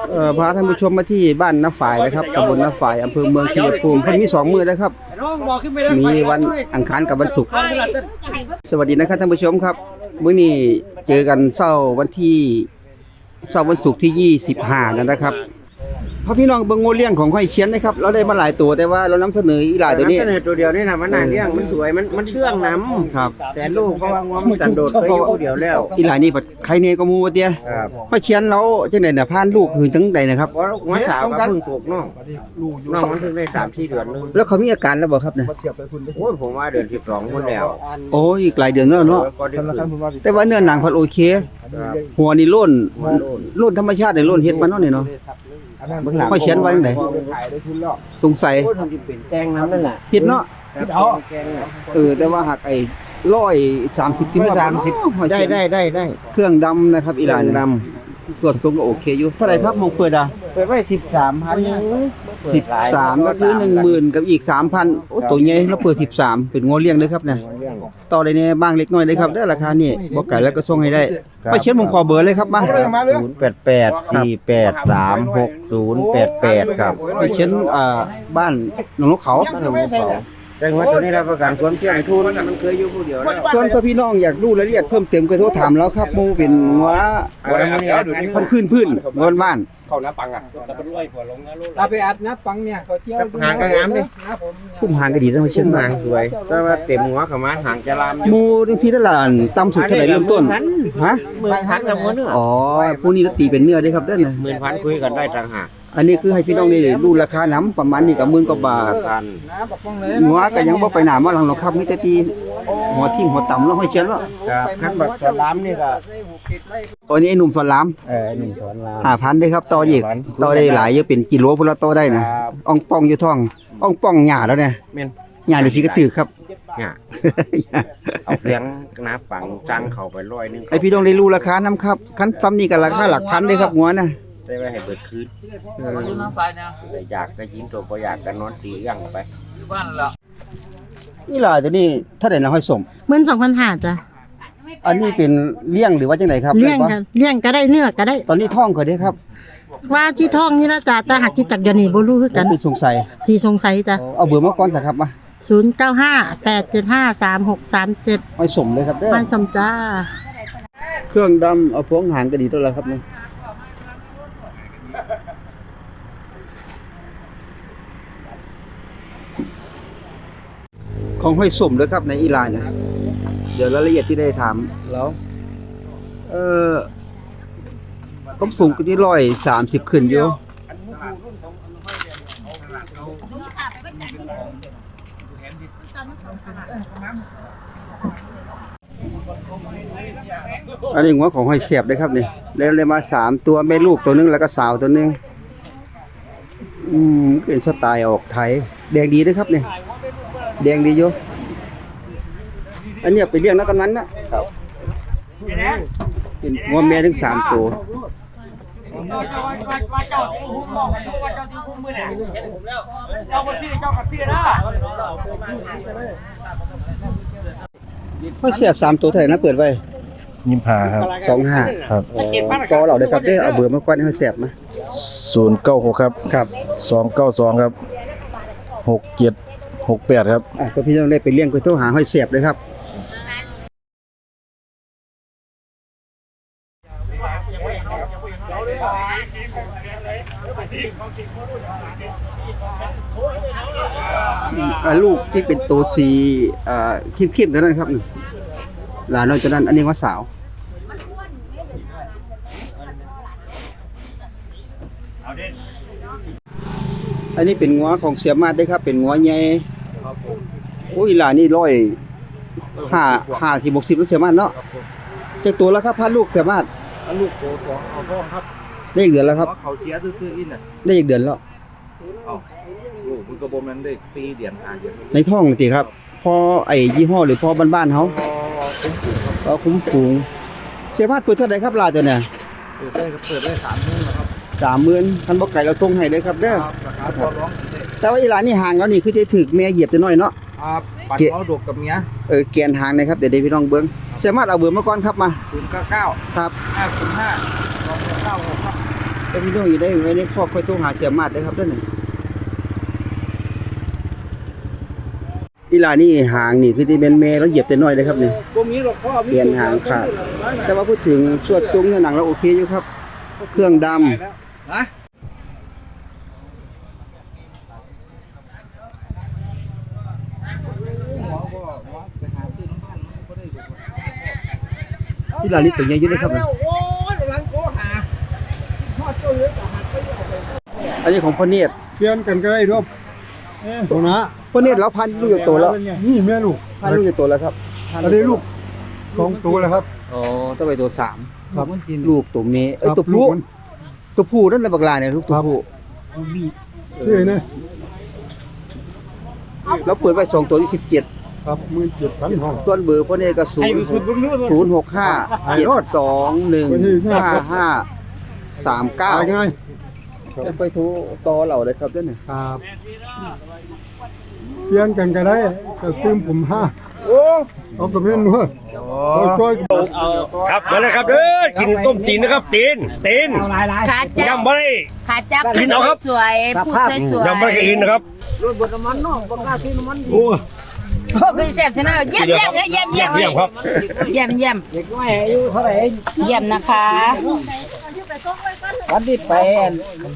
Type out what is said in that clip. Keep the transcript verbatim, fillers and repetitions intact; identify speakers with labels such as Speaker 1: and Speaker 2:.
Speaker 1: เอ่อพาท่านผู้ชมมาที่บ้านน้าฝ่ายนะครับตำบลน้าฝ่ายอำเภอเมืองชัยภูมิเพิ่นมีสองมื้อแล้วครับมีวันอังคารกับวันศุกร์สวัสดีนะครับท่านผู้ชมครับมื้อนี้เจอกันเช้าวันที่เช้าวันศุกร์ที่ยี่สิบห้านั่นนะครับพ่อพี่น้องเบิ่งโมเลี้ยงของห้อยเชียนนะครับเราได้มาหลายตัวแต่ว่าเรานำเสนออีหลายตัวนี้
Speaker 2: นำเสนอตัวเดียวนี่นะมันน่าเลี้ยงมันสวยมันมันเชื่องน้ำ
Speaker 1: ครับ
Speaker 2: แต่ลูกเพราะว่างัวมันกันโดดเคยอยู่ผู้เดียวแล้ว
Speaker 1: อีหลายนี่บัดใครเนก็มูว่าเตี้ย
Speaker 2: ครับ
Speaker 1: ห้อยเชียนเราจังได๋น่ะพานลูกคือจังไดนะครับ
Speaker 2: เพราะงัวสาวก็เพิ่งปลูกน้องน้องมันเพิ่งได้สามสี่เดือนนึง
Speaker 1: แล้วเขามีอาการแล้วบ่ครับเนี่ย
Speaker 2: โอ้ยผมว่าเดือนสิบสองคนแล้ว
Speaker 1: โอ้อีกหลายเดือนแล้วเนาะ
Speaker 2: ก็ได้ขึ้น
Speaker 1: แต่ว่าเนื้อหนังพันโอเค
Speaker 2: ครับ
Speaker 1: หัวนี่โล่น
Speaker 2: หัวโล้น
Speaker 1: โล่นธรรมชาตินี่โล่นเฮ็ดมันเนาะนี่เนาะ
Speaker 2: เบื้องหลัง
Speaker 1: ห้อยเชียนไว้จังไดสงสัย
Speaker 2: โอ้ยทำจิเป็นแตงน้ำนั่นแหละ
Speaker 1: เฮ็ดเนาะ
Speaker 2: ครับแกงน่ะ
Speaker 1: เออแต่ว่าหักไอ้หนึ่งร้อยสามสิบที่
Speaker 2: ร้อย
Speaker 1: ว่า
Speaker 2: สามสิบ
Speaker 1: ห้อย
Speaker 2: ได้
Speaker 1: เชียน
Speaker 2: ได้ได้ได้
Speaker 1: เครื่องดำนะครับอีหลาน
Speaker 2: เครื่องด
Speaker 1: ส่วนสูงก็โอเคอยู่เท่าไหร่ครับมองเปิดอ่ะ
Speaker 2: เปิดไว้สิบสามพัน
Speaker 1: สิบสามก็คือหนึ่งหมื่นกับอีกสามพันโอ้ตัวใหญ่แล้วเปิดสิบสามเป็นงอเลี้ยงเด้อครับเนี่ยต่อได้แน่บ้างเล็กน้อยเด้อครับเด้อราคานี่บ่ไก่แล้วก็ส่งให้ได้ไปเช็ดผมขอเบอร์เลยครับมา
Speaker 2: ศูนย์แปดแปดสี่แปดสามหกศูนย์แปดแปดครับ
Speaker 1: ไปเช็ดอ่าบ้านหนองนกเขา
Speaker 2: แต่ว่าตัวนี้รับประกันความเชื่องทุนมันเคยอยู่ผู้เดียวแล้ว
Speaker 1: ส่วนพ่อพี่น้องอยากรู้รายละเอียดเพิ่มเติมก็โทรถามแล้วครับหมู่เป็นหัว
Speaker 2: เอาไว้มื้อนี้เอาดูดิ
Speaker 1: พันพื้นพื้นงอนบ้าน
Speaker 3: เข้าน้ำปังอ่ะแต่เป็นรวยหัวลงนะลูก
Speaker 4: ตาไปอัดน้ำฟังเนี่ยเขาเที่ยว
Speaker 2: หางก็งามดิ
Speaker 4: นะผม
Speaker 1: พุ่มหางก็ดีต้องไปเช็
Speaker 2: ชิ้
Speaker 1: ด
Speaker 2: น
Speaker 1: มา
Speaker 2: หางสวยแต่ว่าเต็มหัวเขามาหางจะลาม
Speaker 1: หมู่จังซี่นั่นล่ะต่ำสุดเท่าไหร่เริ่มต้นฮะ
Speaker 2: หมื่นพันกับหัวเนื้อ
Speaker 1: อ๋อผู้นี้ตีเป็นเนื้อเด้อครับเด้อนะ
Speaker 2: หมื่นพันคุยกันได้ต่างหาก
Speaker 1: อันนี้คือให้พี่น้องได้รู้ราคาน้ำประมาณนี้ก็หมื่นกว่าบาท
Speaker 2: กัน
Speaker 4: น้ำบักฟังเลย
Speaker 1: หัวก็ยังบ่ไปหนามาหลังหรอกครับมีแต่ตีหัวทิ่มหัวต่ำแล้วห้อยเชียนแล้ว
Speaker 2: ครับขั้นแบบสลามนี่ก็
Speaker 1: ตัวนี้ไอ้หนุ่มสอนราม
Speaker 2: เออหนึ่งถอนลาม
Speaker 1: ห้าพันเด้อครับต่ออีกต่อได้หลายเยอะเป็นกิโลพุ่นละต่อได้นะอ่องป่องอยู่ท้องอ่องป่องหญ้าแล้วเนี่ย
Speaker 2: เม่น
Speaker 1: หญ้านี่สิกระตึกครับ
Speaker 2: เนี่ยเอาเลี้ยงน้าฝังจังเข้าไปร้อยหนึง
Speaker 1: ไอพี่น้องได้รู้ราคาน้ำครับคันซ้ำนี่ก็ราคาหลักพันเด้อครับหัวน่ะ
Speaker 2: ได้ไว้ให้เบิดคืนแต่อยากก็ยินตัวบ่อยากก็นอนตีอย่างไป
Speaker 1: นี่ล่ะตัวนี้ถ้าได้นะห้อยสม
Speaker 5: หมื่นสองพันห้าจ้ะ
Speaker 1: อันนี้เป็นเลี้ยงหรือว่าจังไดครับ
Speaker 5: เลี้ยง
Speaker 1: ได้ปะ
Speaker 5: กันเลี้ยงก็ได้เนื้อก็ได้
Speaker 1: ตอนนี้ท้องเขาเด้อครับ
Speaker 5: ว่าที่ท้องนี่นะจ้ะแต่หักที่จักเดี๋ยวนี้บ่รู้คือกัน
Speaker 1: เป็นสงสัย
Speaker 5: สีสงสัยจ้ะ
Speaker 1: เอาเบอร์มาก่อนสิครับมา
Speaker 5: ศูนย์เก้าห้า แปดเจ็ดห้า สามหกสามเจ็ด
Speaker 1: ห้อยสมเลยครับเด้อ
Speaker 5: ไม่สมจ้า
Speaker 1: เครื่องดำเอาพวงหางก็ดีตัวละครับนี่ของห้อยสมเลยครับในอีหร่านนะเดี๋ยวรายละเอียดที่ได้ถามแล้ว เออผมสูงก็ที่ร้อยสามสิบขึ้นอยู่อันนี้หัวของหอยเสียบเลยครับนี่แล้วเลยมาสามตัวแม่ลูกตัวนึงแล้วก็สาวตัวนึงอืมเป็นสไตล์ออกไทยแดงดีด้วยครับนี่แดงดีอยู่อันเนี้ยไปเลี้ยงนักกำนันนะครับเป็นหัวแม่ถึงสามตัวหอยเสียบสามตัวเท่าไหร่นะเปิดไว้
Speaker 6: ยิมพาครับ
Speaker 1: สองห้า
Speaker 6: ครับ
Speaker 1: ต่อเราได้ครับได้เอาเบอร์มาก่อนให้หอยเสียบมา
Speaker 6: ศูนย์เก้าหกครับ
Speaker 1: ครับ
Speaker 6: สองเก้าสองครับหกเจ็ดหกแปดครับ
Speaker 1: อ่ะก็พี่ต้องได้ไปเลี้ยงไปโทรหาหอยเสียบเลยครับอ่าลูกที่เป็นตัวสีอ่าเข้มๆตัวนั้นครับนี่หลานน้อยตัวนั้นอันนี้ว่าสาวอันนี้เป็นงัวของเสียมาดได้ครับเป็นงัวใหญ่โอ้ยหลานนี่ร้อยห้าห้าสิบหกสิบแล้วเสียมาดเนาะเจ้าตัวแล้วครับพันลูกเสียมาด
Speaker 4: ลูกโตสองเอาท้องครับ
Speaker 1: ได้อีกเดือนแล้วครับ
Speaker 4: เพราะเขาเชียร์ซื่อๆอินน่ะ
Speaker 1: ได้อีกเดือนแล้ว
Speaker 4: เอาลูกมันกระบมนั้นได้สี่เดือนห้าเดือน
Speaker 1: ในท้องติครับพอไอ้ยี่ห้อหรือพอบ้านๆเขา
Speaker 4: พอเป็นกลุ่มครับ
Speaker 1: ก็คุ้มฝูงเสียมาดเปิดเท่าไหร่ครับลาตัวเนี่ย
Speaker 4: เปิดได้ครับเปิดได้สามมื้อนะครับ
Speaker 1: สามหมื่นท่านบอกไก่เราส่งให้เลยครับเด้อ
Speaker 4: ราคาพอร้องได้
Speaker 1: แต่ว่าอีหลานนี่ห่างแล้วนี่คือจะถึกแม่เหยียบจะน้อยเนาะ
Speaker 4: อ่าปัดเอาดกกับเมีย
Speaker 1: เออแกนห่างนะครับเดี๋ยวได้พี่น้องเบิ้งเสียมาดเอาเบอร์มาก่อนครับมา
Speaker 4: ศูนย์เก้าเก้า
Speaker 1: ครับ
Speaker 4: ห้าศูนย์ห้าสองเก้าหกครับ
Speaker 1: ก็มีน้องอยู่ได้ไว้ในครอบค่อยโทรหาเสียมาดได้ครับเด้อนี่อีหลานี่หางนี่คือที่เป็นแม่แล้วเหยียบแต่น้อยเลยครับนี่
Speaker 4: บ่มีหรอกพ่อ
Speaker 1: เปลี่ยนหางขาด แต่ว่าพูดถึงสวดจุ้งเนี่ยหนังเราโอเคอยู่ครับ เครื่องดำ
Speaker 4: ฮะ
Speaker 1: ที่หลานี่ตัวใหญ่อยู่เลยครับนี่
Speaker 4: โอ้ยกำลังโกหาพ่อเจ้าเหลือแต่หัดไปเอาไป
Speaker 1: อันนี้ของพ่อเนตร
Speaker 7: เปลี่ยนกันก็ได้รบตรงนะ
Speaker 1: พ่อเนตรเราพันลูกอยู่ตัวแล้ว
Speaker 7: นี่แม่ลูก
Speaker 1: พันลูกอยู่ตัวแล้วครับ
Speaker 7: อันนี้ลูกสองตัวแล้วครับ
Speaker 1: อ๋อต้องไปตัวสาม
Speaker 7: ครับ
Speaker 1: ลูกตัวเมย์เอ้ย
Speaker 7: ครับ
Speaker 1: ตัวผู้
Speaker 7: ลูกมัน
Speaker 1: ตัวผู้นั่นแหละบักลาเนี่ยลูกตัวผู้
Speaker 7: ชื่อนะ
Speaker 1: แล้วเปิดไว้สองตัวที่สิบเจ็ด
Speaker 7: ครับหมื่นเจ็ดพันห้อง
Speaker 1: ส่วนเบอร์พ่อเนตรก็ศูนย์ศูนย์หกห้าเจ็ดสองหนึ่งห้าห้าสามเก้า
Speaker 7: ตายง่าย
Speaker 1: ไปโทรต่อเราเลยครับเด้อนี่
Speaker 7: ครับเปลี่ยนกันก็ได้ก็ตื้มผมห้าเอากระเพี้ยนด้วยช่วย
Speaker 3: ครับมาเลยครับเด้อกินต้มตีนนะครับตีนตีน
Speaker 8: ขาจับ
Speaker 3: ยำบ่ได้
Speaker 8: ขาจับ
Speaker 3: กินเอาครับ
Speaker 8: สวยๆพูดสวยๆ
Speaker 3: ยำบ่ได้กินนะครับ
Speaker 8: โอ้คือแซ่บชนะเยี่ยมเยี่ยมเยี่ยมเยี่ยม
Speaker 3: เยี่ยมครับ
Speaker 8: เยี่ยมเยี่ยมเด็กน้อยอายุเท่าไหร่เยี่ยมนะคะ
Speaker 2: วันที่แปด